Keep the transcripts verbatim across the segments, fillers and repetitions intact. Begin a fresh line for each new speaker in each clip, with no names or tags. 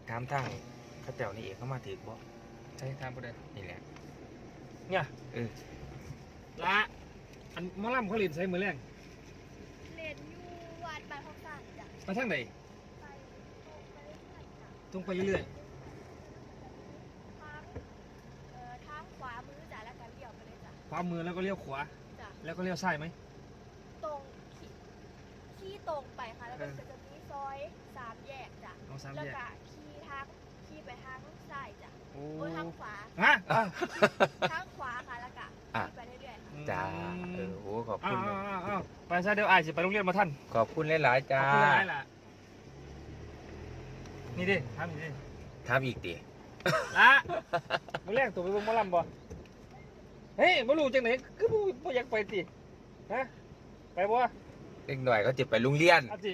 ถามทางเขาเจ้านี่เองเขามาถือบ่
ใช่ทางประเด็น
นี่แหละ
เนี่ย
เออ
ละอันมอลำเขาเรียนใช้มือแรง
เรียนอยู่วัดบ้านของต่างจ้ะ
ไปทางไหน
ไปตรงไปเรื่อยๆจ้ะ
ตรงไปเรื่อย
ทางเอ่อทางขวามือจ้ะแล้วก็เลี้ยวไปเลยจ้ะ
ๆขวามือแล้วก็เลี้ยวขวา
จ้ะ
แล้วก็เลี้ยวซ้ายไหม
ตรงขี่ขี่ตรงไปค่ะแล้วก็จะมีซอยสามแยกจ้ะ
เอาสาม
แล้ว
แยก
ก็ขี่ทางขี่ไปทางซ้ายจ้ะ
โอ้
โอ้ยทางขวา
ฮะ
ทางขวาค่ะแล้วก็ขี่ไปเรื่อยๆค่ะ
จ้าเออโอ้ขอบ
อ้า
คุ
ว
ณ
อ้าวอ้าวไปซะเดี๋ยวไอ้จะไปโรงเรียนมาท่าน
ขอบคุณหลายๆ
ข
จ้า
อบคุณอะไรล่ะนี่ดิทำนี่ดิ
ทำอีกดิ
ละมือแรกตัวไปเบิ่งหมอลำบ่เฮ้ยบ่รู้จังไหนคือบ่บ่อยากไปติฮะไปบ่
เล็กหน่อยก็จะไปโรงเรียน
อาจิ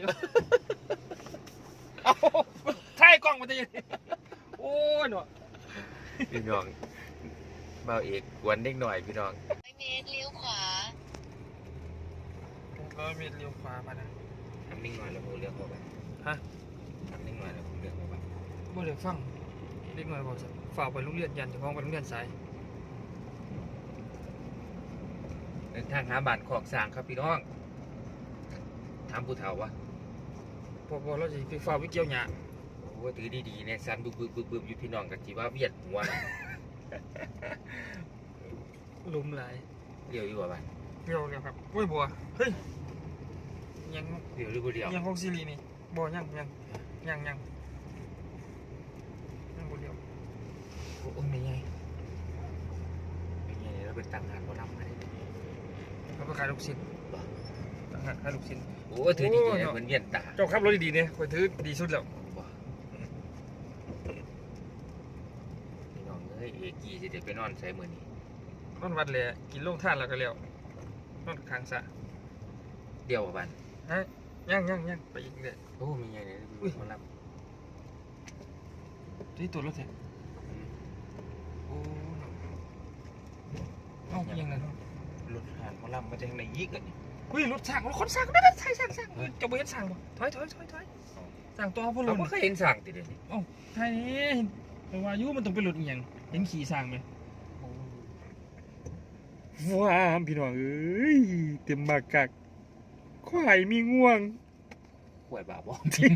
เอาถ่ายกล้องมาจะยังโอ้ยหนู
พี่น้องเบาเอกกวนเล็กหน่อยพี่น้อง
ร้อยเมตรเลี้ยวขวา
ร้อยเมตรเลี้ยวขวามานะ
ทำนิ่งหน่อยแล้วผมเลือกเข้าไป
ฮะ
ทำนิ่งหน่อยแล้วผมเลือกเข้าไป
บ่ได้ฟังเด็กน้อยบอกสิฝากไปโรงเรียนยันเจะพ้าของไปโรงเรียนสาย
เดินทางหาบ้านขอกสร้างครับพี่น้องถามผู้เฒ่าวะ
พอพอเราจะไปฝากวิเกี่ยวหยา
โอ้ถือดีๆเนี่ยสันบึบบึบบึบบึบอยู่พี่น้องกันจีว่าเวียดหัวนะ
ลุมหลาย
เดียวอยู่ว่าบ้าน
เดียวเดียวครับโอ้ยบัวเฮ้ยยัง
เดียวหรือบ่เดียว
ยังของซีรีนี่บัวยังยังยังยังยังบัวเดียว
โอ้ยไม่ไงไม่ไงเราเป็นต่างหากเขานำมาได้
เราไปขายลูกชิ้นต่างหากขายลูกชิ้น
โอ้ถือดีๆเนี่ยเหมือนเวียนตา
เจ้าขับรถดีๆเนี่ยคอยถือดีสุดแล้ว
พี่น้องเอ้ยเอกีจะได้ไปนอนใส่มือนี้
นอนวัดเลยกินลงท่านแล้วก็แล้วนอนค้างซะ
เดียวกับบ้าน
ฮะยังยังยังไปอีกเลย
โอ้มีไงเนี่ยมารับ
ที่ตัวรถเถอะโอ้เอายังไง
รถหานมารับมาจากไหนยิกอ่ะนี่
อุ้ยรถสั่งรถคนสั่งได้ได้ใช่สั่งสั่งจะไปเห็นสั่งบ่ถอยถอยถอยถอยสั่งตัวพ่อ
เรา
ลุน
ไม่เคยเห็นสั่งติดเลยนี่
โอ้ไทยนี่แต่ว่ายุมันต้องเป็นรถอีหยังเห็นขี่สั่งไหมว้าพี่น้องเอ้ยเต็มมากกักควายมีง่วง
ห่วยบาบอมทิ้ง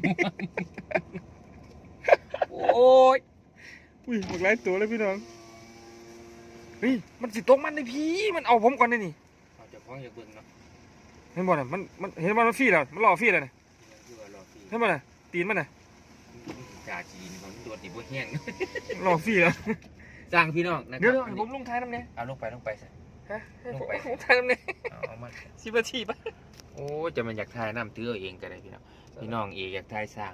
โอ้ย
อุ้ยหมดหลายตัวเลยพี่น้องเฮ้ยมันสิตกมันเลยพี่มันเอาผมก่อนเลยนี่
เราจะพ้องอยากเบิ่งเนาะ
เห็นบ่น่ะมันมันเห็นว่ามันฟรีแล้วมันรอฟรีแล้วน่ะ
คือว่ารอฟี
เห็นบ่น่ะตีนมันน่ะ
จ่าจีนมันโดดติบ่แห้ง
รอฟรีแล้ว
สั่งพี่น้องนะค
เดี๋ยว
รับ
เดี๋ยวผมลงท้ายน้ำเนี่ย
เอาลงไปลงไปสิ
ฮะ
ลงไป
ลงท้ายน้ำเนี่ย
เอามา
สิบนาทีปะ
โอ้จะมันอยากทายน้ำตื้อเอาเองก็ได้พี่น้องพี่น้องเอกอยากทายสร้าง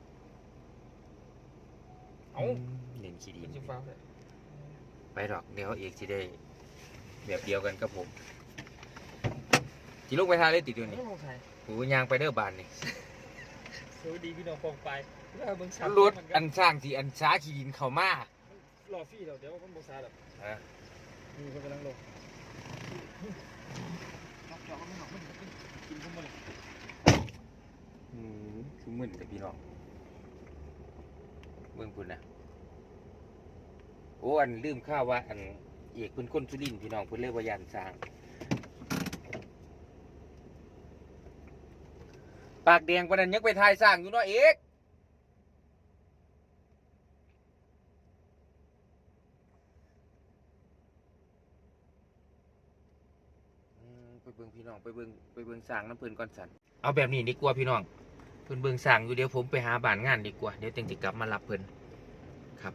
เอา
เล่นขี้ดี
จิฟ้าเลย
ไปหรอกเดี๋ยวเอกจะได้แบบเดียวกันกับผมจีลูกไปทายเลยติดอยู่
ไม่
นี่
ลงท้าย
โอ้ยางไปเด้อบานนี่
สวัสดีพี่น้องฟองไปแล้วเบิ่งสาม
รถอันสร้างที่อันช้าขี้ดินเข้ามาร
อฟรีแล้วเดี๋ยวมันบ่ซาดอก
ฮะ
นี่เพิ่นกำลังลงจับจอกมันหนอกมันกินผมบ่เลย
อืมคือมึนแต่พี่น้องเบิ่งพุ่นนะโอ้อันลืมข้าวว่าอันเอกเพิ่นคนสุรินทร์พี่น้องเพิ่นเลยว่ายานสร้างปากแดงปานนั้นยังไปทายสร้างอยู่เนาะเอกอืมไปเบิ่งพี่น้องไปเบิ่งไปเบิ่งสร้างน้ำเพิ่นก่อนสันเอาแบบนี้ดีกว่าพี่น้องเพิ่นเบิ่งสร้างอยู่เดี๋ยวผมไปหาบ้านงานดีกว่าเดี๋ยวจังสิกลับมารับเพิ่นครับ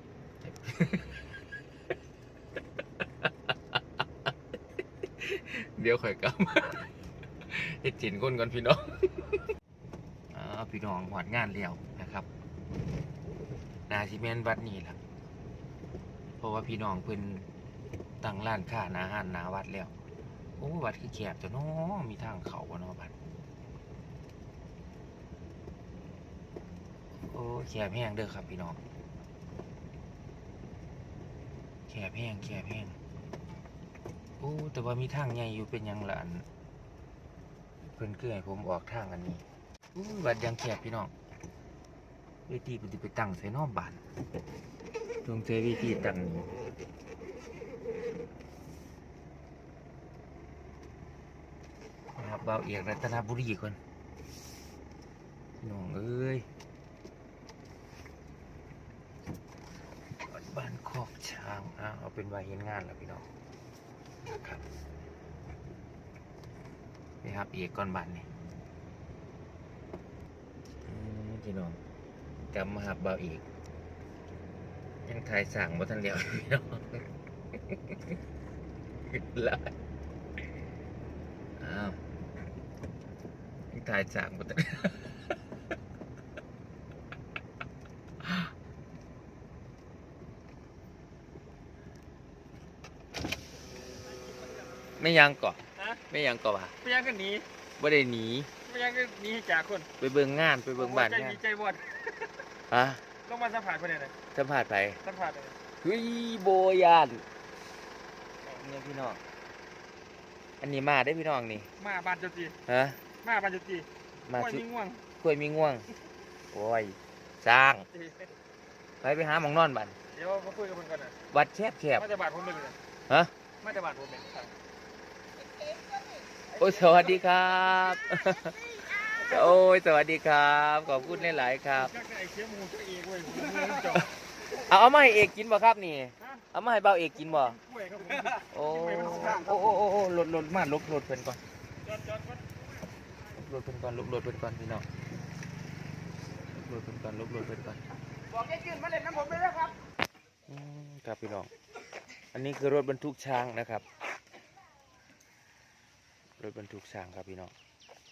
เดี๋ยวค่อยกลับมาเฮ็ดจินคนก่อนพี่น้องอ่าพี่น้องหอดงานแล้วนะครับนาซิเมนวัดนี่ล่ะเพราะว่าพี่น้องเพิ่นตั้งร้านค้าอาหารหน้าวัดแล้วโอ้วัดคือแคบจ้ะเนาะมีทางเข้าบ่เนาะวัดโอ้แคบแห้งเด้อครับพี่น้องแคบแห้งแคบแห้งโอ้แต่ว่ามีทางใหญ่อยู่เป็นหยังล่ะอันเพิ่นคือให้ผมออกทางอันนี้อู้วัดยังแคบพี่น้องเวทีปฏิไปตั้งใส่นอกบ้านตรงเจเวทีตั้งนี่นะครับบ่าวเอกรัตนบุรีคนน้องเอ้ยบ้านคอกช้างอ่ะเอาเป็นว่าเห็นงานแล้วพี่น้องนะครับนี่ครับเอกก่อนบ้านนี่อืมพี่น้องกลับมาหาบ่าวเอกยังถ่ายสั่งบ่ทันเดียวพี่น้องละอ้าวยังถ่ายสั่งบ่ทันไม่ยังก่อน
ฮะ
ไม่ยังก่อนว่ะ
ไปยังกันหนี
บ่ได้หนี
ไปยังกันหนีให้จากคน
ไปเบิ่งงานไปเบิ่งบ้าน
ใจ
งาน
ดีใจบอด
ฮะ
ลงมาสัมผัสคนไหนเลย
สัมภาษณ์ไป
สัมผัสเลย
เฮ้ยโบยานเนี่ยพี่น้องอันนี้มาได้พี่น้องนี่
มาบานจุตี
ฮะ
มาบานจุตี
มา
โอ้ย
ชุ
มีง่วง
กล้วยมีง่วงโอ้ยสร้างไปไปหาหมองนอนบัน
เดี๋ยวมาคุยกับคนก่อนนะ
วัดแคบแคบ
มาจะบาดผมเลยนะ
ฮะ
มาจะบาดผมเลย
โอ้ยสวัสดีครับ โอ้ยสวัสดีครับขอบคุณหลายๆครับ
ก็ไอ้เชี่ยมูเจ้าเอกเว้ยมูจอ
เอาเอามาให้เอกกินบ่ครับนี่
ฮะ
เอามาให้เบาเอกกินบ่
กล้วยครับผม
โอ้โอ้โอ้โอ้โอ้ลดลดมาลบลดเพิ่นก่อน
จอดจอดจอด
ลบเพิ่นก่อนลบลดเพิ่นก่อนพี่น้องลบเพิ่นก่อนลบลดเพิ่นก่อน
บอกให้ขึ้นมาเล่นน้ำผมเลยนะครับ
อืมครับพี่น้องอันนี้คือรถบรรทุกช้างนะครับรถบรรทุกช้างครับพี่น้อง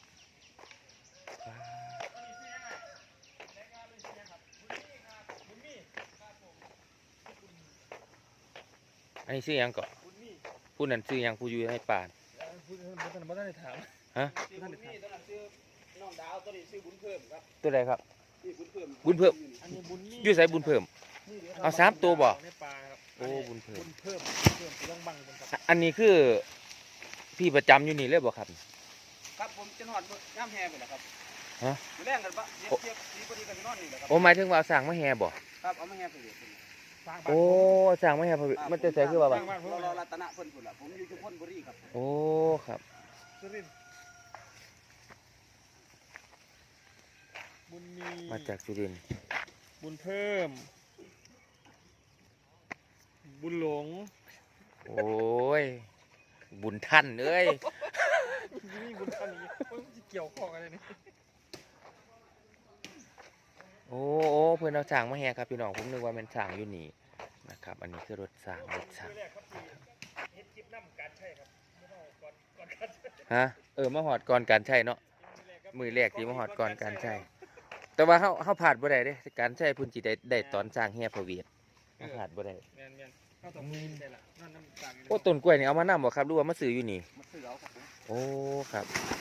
อันนี้ซื้อหยังก่อน
คุณนี่
ผู้นั้นซื้อหยังผู้อยู่ให้ป่าน
พูดท่านบ่ได้ถาม
ฮะ
ท่านนี่ตอนนั้นชื่อน้องดาวตัวนี้ชื่อบุญเพิ่มครับ
ตัวใดครับ
นี่บุญเพิ่ม
บุญเพิ่ม
อันนี้บุญนี่
อยู่ใส่บุญเพิ่ม เอาสามตัวบ่
ในปลาครับ
โอ้บุญเพิ่ม
บุญเพิ่มเพิ่มต้องบังบนครับ
อันนี้คือพี่ประจำอยู่นี่เลยบ่ครับ
ครับผมจะนอนย่ำแฮไปแล้วครับ
ฮะ
อยู่แรงกันปะเทียบเทียบสีพอดีกันนอนนี่แหละครับ
โอ้หมายถึงว่าเอาสั่งมาแห่บ่
ครับเอามาแฮไปเลยสร้างบ้าน
โอ้สั่งมาแห่พอดีมันจะใส่คือว่า
ส
บัด
ร้างบ้านผม
เรารอรัตนะเพิ่นพุ่นล่ะผมอยู่ชุมพลบุรีครับ
โอ้ครับ
สุรินทร์บุญมี
มาจากสุรินทร์
บุญเพิ่ม บุญหลง
โอ้ยบุญท่านเอ้ย
นี่บุญท่านนี้มันจะเกี่ยวข้องอะไรนี่
โอ้โอ้เพื่อนเอาสั่งมาแห่ครับพี่น้องผมนึกว่ามันสั่งอยู่นี่นะครับ อันนี้คือรถสั่งรถสั่ง
แรกครับที่เฮ็ดคลิปน้ำการใช่ครับไม่ต้องก่อนก่อนการใช้
ฮะเออมาหอดก่อนการใช้เนาะมือแรกที่มาหอดก่อนการใช้แต่ว่าเฮาเฮาผ่านบ่ได้เด้การใช้พุ่นสิได้ได้ตอนสร้างแห่พระเวทเฮาผ่านบ่ได้
แมนแมนเข้าตรงนี้ได้ละนั่นน้ำตาล
โอ้ต้นกล้วยนี่เอามานำบ่ครับหรือว่ามาซื้ออยู่นี่
มาซื้อเอาครับผม
โอ้ครับ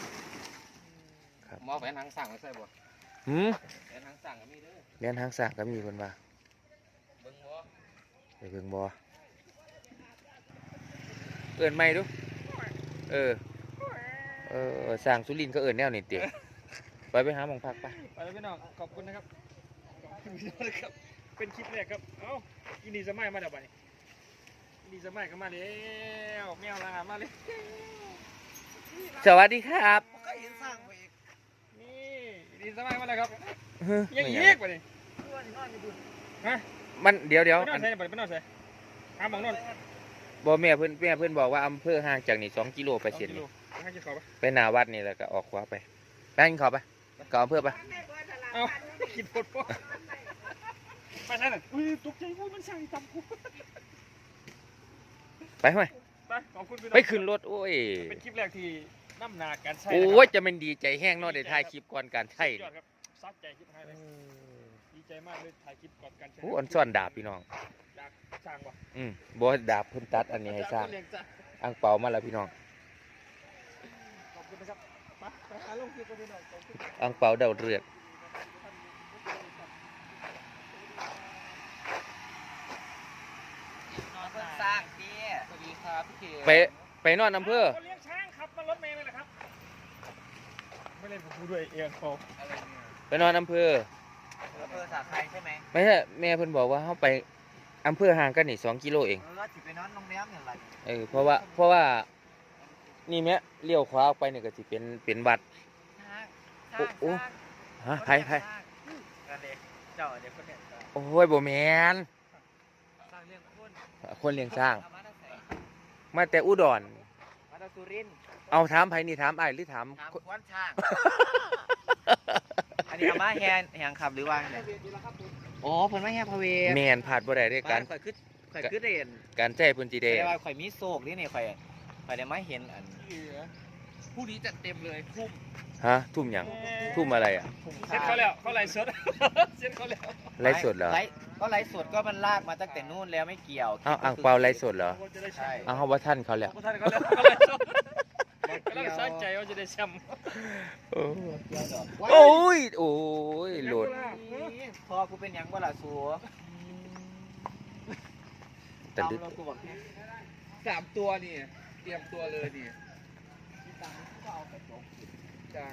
หมอแหวนหางสั่งมาใส่บ่
หืม
แหวนหางสั่งก็มีเด้อ
เรียนทางสร้างก็มีเพิ่นว่า
เบิ่งบ่
ไปเบิ่งบ่เอิ้นใหม่ดูเออเออสร้างสุรินทร์เขาเอิ้นแนวนี้ติไปไปหาหม่องพักไป
ไปแล้วพี่น้องขอบคุณนะครับขอบคุณพี่น้องนะครับเป็นคลิปแรกครับเอ้าอินดีสมัยมาเดี๋ยวไปอินดีสมัยก็มาแล้วแมวลามาเลย
สวัสดีครับ
ก็เห็นสร้างไปอีก
นี่อินดีสมัยมาแล้วครับ
เฮ้ย
ยัง
ไม่
อี
อยาก
กไปดิฮะ
มันเดี๋ยวเดี๋ยว
ไปนอ
อั
น
น
ใส่ไปนอนใส่หาหมองนอน
บ่แม่เพิ่นแม่เพิ่นบอกว่าอำเภอห่างจากนี่สองกิโลไปเส้นนี่
ให้กินข้าวปะ
ไปหน้าวัดนี่แล้วก็ออกขวาไปไปกินข้าวไปก็อำเภอไป
เอากินปวดปวดไปใช่หน่อยอุ้ยตกใจว่ามันสั่งตำกู
ไปไหม
ไปขอบคุณพี่น้อง
ไปขึ้นรถโอ้ย
เป็นคลิปแรกที่น้ำหนาการใช้
โอ้ยจะเป็นดีใจแห้งเนาะได้ถ่ายคลิปก่อนการใช้
ยอดครับซัดใจคลิปให้เลยดีใจมากเลยถ่ายคลิปก่อนการใช้
โอ้อันซ่อนดาบพี่น้อง
จากสร้างวะ
อืมบ่ดาบเพิ่นตัดอันนี้ให้สร้าง
เลี้ยจ้ะ
อังเปามาแล้วพี่น้อง
ขอบคุณนะครับไปไปหาลงคลิปกันพี่น้องขอบคุณ
อังเปาเดาเรือด
นอนเพิ่นสร้างเตี้ยสวัสดีครับพี่เข
ไปไปนอนอำเภอ
คนเลี้ยงช้างขับมารถเมล์เลยนะครับไม่เล่นกับกูด้วยเอียงเขา
อะไรเนี่ย
ไปนอนอำเภอ
เอออำเภอสาไครใช่ไหม
ไม่ใช่แม่เพิ่นบอกว่าเฮาไปอำเภอห่างกันนี่สองกิโลเอง
เออสิไปนอนโรงแรมอย่างไร
เออเพราะว่าเพราะว่านี่แม่เลี้ยวขวาออกไปนี่ก็สิเป็นเป็นวัด
สร้าง
โอ้
สร้าง
ฮะไผไผ
กันเลยเจ้าเด็กคนเนี้ย
โอ้ยบ่แม่น
สร้างเรื่องคน
คนเลี้ยงสร้าง
เอมาตั้งแต่
มาแต่อุดร
มาตั้งสุรินทร์
เอาถามไผนี่ถามอ้ายหรือถาม
ถามควนช้าง อันนี้อามาแฮนแฮงขับหรือว่าไงอ๋อเพิ่นมาแฮนพระเวท
แม่นพลาดบ่ได้เด้การ
ข่อยคือข่อยคือเด่น
การใจเพิ่นสิได้
แต่ว่าข่อยมีโศกนี่นี่ข่อยข่อยได้มาเห็นอันผู้นี้จัดเต็มเลยคุ้ม
ฮะทุ่มหยังทุ่มอะไรอ่ะ
เซ็ตเขาแล้วเขาไล่สด เซ็ตเขาแล้ว
ไลฟ์สดเหรอ
ไลฟ์ก็ไลฟ์สดก็มันลากมาตั้งแต่นู่นแล้วไม่เกี่ยว
เอ้าอ่างเปาไลฟ์สดเหรอ
เขาจะได้แช
ใช่
มป์
เอ้าเฮาว่าท่านเขาแล้ว
เขาท่านเขาแล้วเขาไล่สดกำลังสนใจว่าจะได้แชมป์
โอ้ยโอ้ยโหลด
พอกูเป็นหยังบ่ล่ะสัว
แต่ดึก
เรากูบอกให้สามตัวนี่เตรียมตัวเลยนี่จัง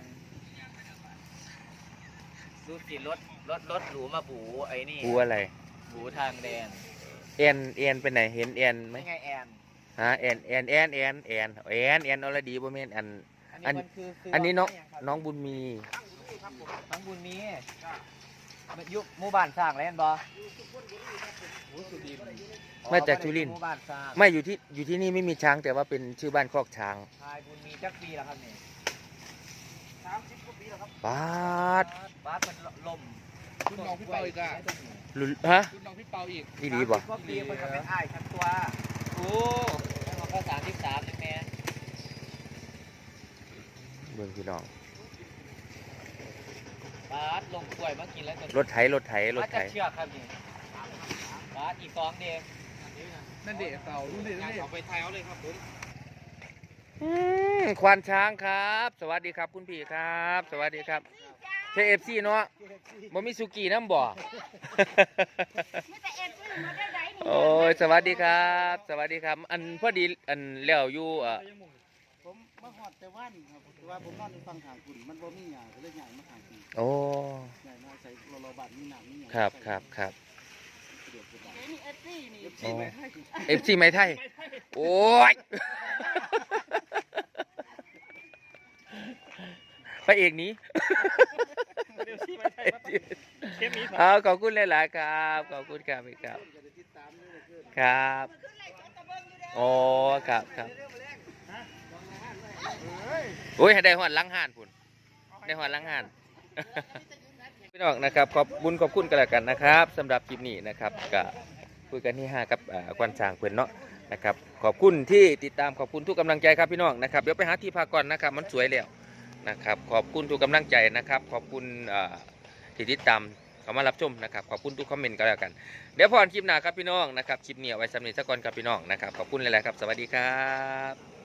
ดูสิรถรถรถหรูมาบูไอ้นี่
กูอะไร
บูทางแดน
แอนแอนไปไหนเห็นแอนไหม
ไม่ไงแอน
ฮะแอนแอนแอนแอนแอนแอนแอนอรดีบ่แม่นอัน อัน
มันคือคื
อันนี้น้อง
รถไม่ยังครับ
น้องบุญมี
น้องบุญมีมันอยุหมู่บ้านสร้างแล้วเห็นบ่อ๋อ
มาจากสุรินทร์
หมู่บ้านสร้าง
ไม่อยู่ที่อยู่ที่นี่ไม่มีช้างแต่ว่าเป็นชื่อบ้านคอกช้าง
ชายบุญมีจักปีแล้วครับนี่
สามสิบกว่าปีแล้วครับ
บาด
บ้านมันล่ม
รุ่นน้องพี่เปาอีกอะ
ลุฮะ
รุ่นน้องพี่เปาอีก
อีหลีบ่
ก็ปีมันก็เป็นอ้ายทั้งตัวโอ้แล้วมันก็สามสิบสามเลยแม่
เบิ่งพี่น้อง
บาสลงกล้วยมากินแล้วก็
รถไถรถไถรถไถ
บาสจะเชือกครับนี่บาสอีกสองเดียว
นั่นเด็กเปารุ่นเด็กนั่นเด็ก
เอาไปไทยเอาเลยครับผม
อืมควานช้างครับ สวัสดีครับคุณพี่ครับ สวัสดีครับใช่เอฟซีเนาะบ่มีสุกี้น้ำบ่
ไม่แต่เอ็นก็มาได้ไหนนี่
โอ้ยสวัสดีครับ สวัสดีครับ อันพอดีอันแล้วอยู่อ่ะ
ผมมาหอดแต่ว่านครับแต่ว่าผมนอนในฟังทางคุณมันบ่มีหยาก็เลยใหญ่มาทางคุณ
โอ้
ใหญ่มาใส่โลโลบัตมีหนามมีหยา
ครับครับครับ
สะดวกสบาย
นี่เอฟซีนี่
เอฟซีไหมให้
เอฟซีไม้ไทย โอ้ยพระเอกหนี้
เดี๋ยวชี้ไปไทยมาเทปนี้
เอาขอบคุณหลายๆครับ ขอบคุณครับพี่ครับ
จะได้ติดตามนี่เลยขึ้น
ครับโอ้ครับครับโอ้ยให้ได้หอดหลังห่านพุ่นได้หอดหลังห่าน พี่น้องนะครับขอบบุญขอบคุณกันแล้วกันนะครับสำหรับคลิปนี้นะครับกับคุยกันที่ห้ากับอ่าควันช้างเพื่อนเนาะนะครับขอบคุณที่ติดตามขอบคุณทุกกำลังใจครับพี่น้องนะครับเดี๋ยวไปหาที่พักก่อนนะครับมันสวยแล้วนะครับขอบคุณทุกกำลังใจนะครับขอบคุณอ่าที่ติดตามเข้ามารับชมนะครับขอบคุณทุกคอมเมนต์กันแล้วกันเดี๋ยวพอกันคลิปหน้าครับพี่น้องนะครับคลิปนี้เอาไว้สำหรับสักก่อนครับพี่น้องนะครับขอบคุณหลายๆครับสวัสดีครับ